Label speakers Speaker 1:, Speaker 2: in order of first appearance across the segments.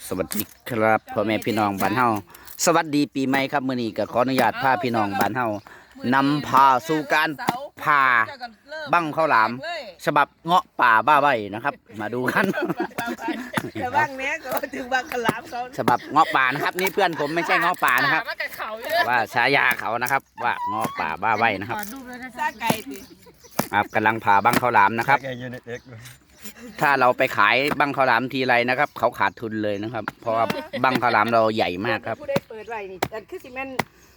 Speaker 1: สวัสดีครับพ่อแม่พี่น้องบ้านเฮาสวัสดีปีใหม่ครับมื้อนี้ก็ขออนุญาตพาพี่น้องบ้านเฮานำพาสู่การพาบั้งข้าวหลามฉบับเงาะป่าบ้าใบนะครับ มาดูกัน
Speaker 2: แต่บ้างเนี้ยก็ถึงบางขลามเขา
Speaker 1: ฉบับเงาะป่านะครับนี่เพื่อนผมไม่ใช่เงาะป่านะครับว่าฉายาเขานะครับว่าเงาะป่าบ้าใบนะครับ
Speaker 2: ซาไก่สิ
Speaker 1: ครับกำลังพาบั้งข้าวหลามนะครับ ถ้าเราไปขายบั้งข้าวหลามทีไรนะครับ เขาขาดทุนเลยนะครับ เพราะว่าบั้งข้าวหลามเราใหญ่มากครับ
Speaker 2: ผู้ได้เปิดไว้นี่แต่คือสิแม่น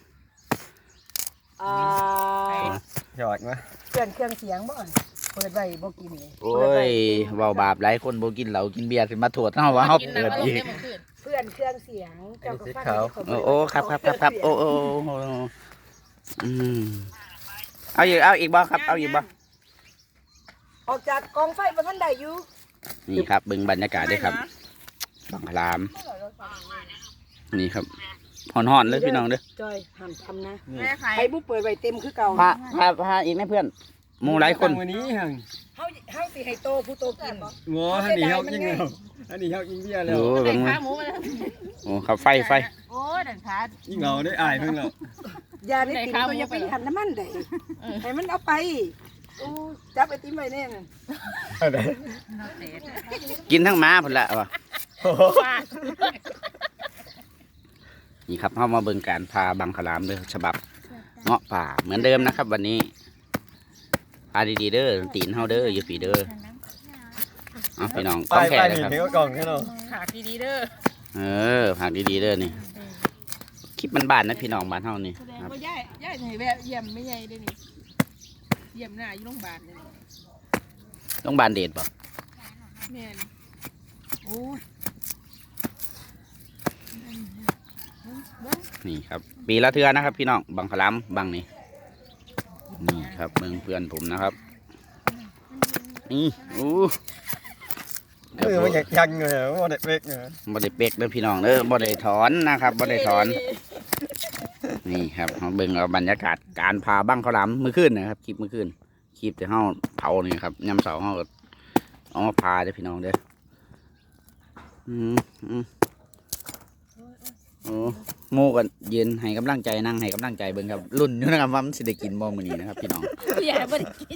Speaker 3: หยอดมา
Speaker 2: เปลี่ยนเครื่องเสียงบ่อนเปิดไว้บ่กินนี่
Speaker 1: โอ้ยเว้าบาปหลายคนบ่กินเหล้ากินเบียร์ขึ้นมาโทษเฮาว่าเฮาเปิดอีก
Speaker 2: เพื่อนเครื่องเสียงเจ้าก็ฟัง
Speaker 1: โอ้ครับโอ้อืมเอาอีกบ่ครับเอาอีกบ่
Speaker 2: ออกจากกองไฟบ่ทันได้อยู่
Speaker 1: นี่ครับเบิ่งบรรยากาศด้วยครับบังคลามนี่ครับฮ้อนๆเลยพี่น้องเด้อ
Speaker 2: จอยห้ามทำนะให้ผู้เปิดไว้เต็มคือเก่า
Speaker 1: พาอีกนะเพื่อนหมู่หลายคน
Speaker 3: วันนี้หัง
Speaker 2: เฮาสิให้โตผู้โตกิน
Speaker 3: งอฮันนี่เฮายิงแล้วฮันนี่เฮายิงเบี้ยแล้ว
Speaker 1: โอ้เบิ่งมาโอ้ครับไฟ
Speaker 4: โอ้ดันขา
Speaker 3: ยิงเงาได้อายเพิ่งแล้ว
Speaker 2: ยาได้กินก็อย่าไปหันน้ำมันได้ให้มันเอาไปโอ้จับไอติมไว้แน่น่ะ
Speaker 1: กินทั้งม้าพุ่นละว่ะนี่ครับเฮามาเบิ่งการพาบังคลามเด้อฉบับเงาะป่าเหมือนเดิมนะครับ วันนี้พาดีๆเด้อตีนเฮาเด้ออยู่ฝีเด้อเอาพี่น้องต้องแข่เลยครับ
Speaker 3: นี่ก็กล่องแค่นั้น
Speaker 4: ขาดีๆเด้อ
Speaker 1: ผักดีๆเด้อนี่คลิปมันบ้านนะพี่น้องบ้านเฮานี่
Speaker 4: แสดง
Speaker 1: ครับ
Speaker 4: ว่าย่ายให้แวะเยี่ยมไม่ใหญ่ได้นี่เยี่ยมหน้าอยู่โรงพยาบาลเลย
Speaker 1: ต้องบานเดชบ่
Speaker 4: แม่นโอ้ย
Speaker 1: นี่ครับ ปีละเทื่อนะครับ พี่น้องบังคลามบังนี่นี่ครับเบิ่งเพื่อนผมนะครับนี่อู้
Speaker 3: มันอยากยังเลยว่าเด็กเล็กเนี่ย
Speaker 1: บ่ได้เป๊กเด้อพี่น้องเด้อบ่ได้ถอนนะครับบ่ได้ถอนนี่ครับเฮาเบิ่งเอาบรรยากาศการพาบังข้าวหลามมื้อคืนนะครับคลิปมื้อคืนคลิปที่เฮาเผานี่ครับยามเช้าเฮาก็เอามาพาเด้อพี่น้องเด้อโอ้โม่กันยืนให้กำลังใจนั่งให้กำลังใจเบิ่งครับรุ่นอยู่นะครับว่ามันสิได้กินบ่มื้อนี้นะครับพี่น้อง
Speaker 4: อย่าบ่ได้กิน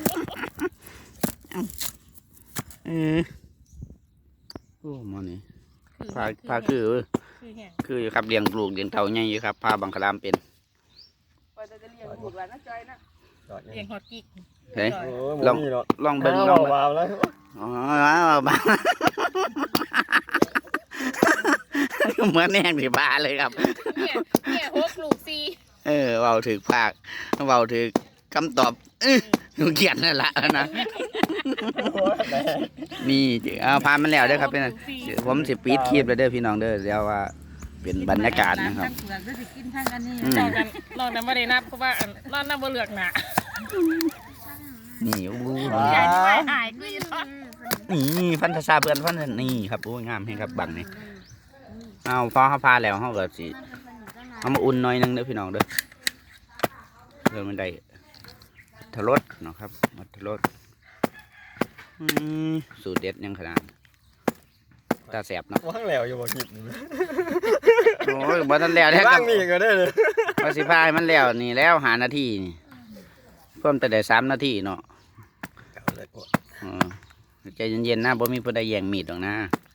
Speaker 1: โอ้มานี่พาคือ
Speaker 4: คือแห้ง
Speaker 1: คืออยู่ครับเลี้ยงลูกเลี้ยงเต่าใหญ่อยู่ครับพาบังคลามเป็น
Speaker 2: ว่าจะเลี้ยงลูกหลานนะจอยนะ
Speaker 4: เลี้ยงฮอดกิ๊ก
Speaker 1: เฮ้ย
Speaker 3: โอ้ลอง
Speaker 1: ลองเบิ่ง
Speaker 3: ล
Speaker 1: ล
Speaker 3: อ
Speaker 1: อง งเบิ่ง
Speaker 3: วาวแล้ว
Speaker 1: อ๋อบ้าเหมือนแน่งที่บ้าเลยครับ
Speaker 4: เนี่ยหกลูกสี่
Speaker 1: เว้าถึกภาคเว้าถึกคำตอบหนูเขียนนั่นแหละนะนี่เอาพามันแล้วเด้อครับเป็นผมสิปีดคลิปเลยเด้อพี่น้องเด้อเดี๋ยวว่าเป็นบรรยากาศนะครับ
Speaker 4: ทั้งเปลือกด้วยสิกินทั้งอันนี้ลองกันลองนั้นบ่ได้นับเพราะว่าลองนับบ่เลือกหน้า
Speaker 1: นี่โอ้โห
Speaker 4: ยายไม่หายกูยัง
Speaker 1: นี่พันธชาเพื่อนพันธนี่ครับโอ้ยงามให้ครับบังนี่เอาพอเขาพาแล้วเขาก็สิเอามาอุ่นหน่อยนึงเด้อพี่น้องเด้อเพื่อมันได้ทรสเนาะครับมัทรสสูตรเด็ดยังขนาดตาแสบเนาะ
Speaker 3: ว่างแล้วอยู่บ่คิด
Speaker 1: โอ้ยบ่ทันแล้วแท้
Speaker 3: ว่าง
Speaker 1: กับ
Speaker 3: นี่ก็ได้เลย
Speaker 1: พอสิพายมันแล้วนี่แล้วหานาทีนี่เพิ่มแต่ได้3 นาทีเนาะใจเย็นๆนะบ่มีผู้ใดแย่งมีดหรอกนะ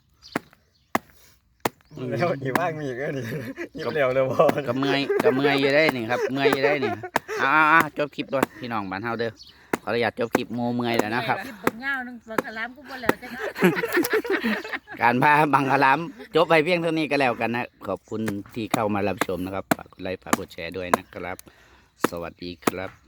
Speaker 3: แล้วอีว่างมีก็ดียิบเร็วเลยบ่
Speaker 1: ก็เมื่อยอยู่ได้นี่ครับเมื่อยอยู่ได้นี่จบคลิปด้วยพี่น้องบ้านเฮาเด้อขออนุญาตจบคลิปโมเมื่อยแล้วนะครับ
Speaker 4: กินบักเหง้านึงบักขลามกูบ่แล้วจัง
Speaker 1: การพาบังคลามจบไปเพียงเท่านี้ก็แล้วกันนะขอบคุณที่เข้ามารับชมนะครับฝากกดไลค์ฝากกดแชร์ด้วยนะครับ สวัสดีครับ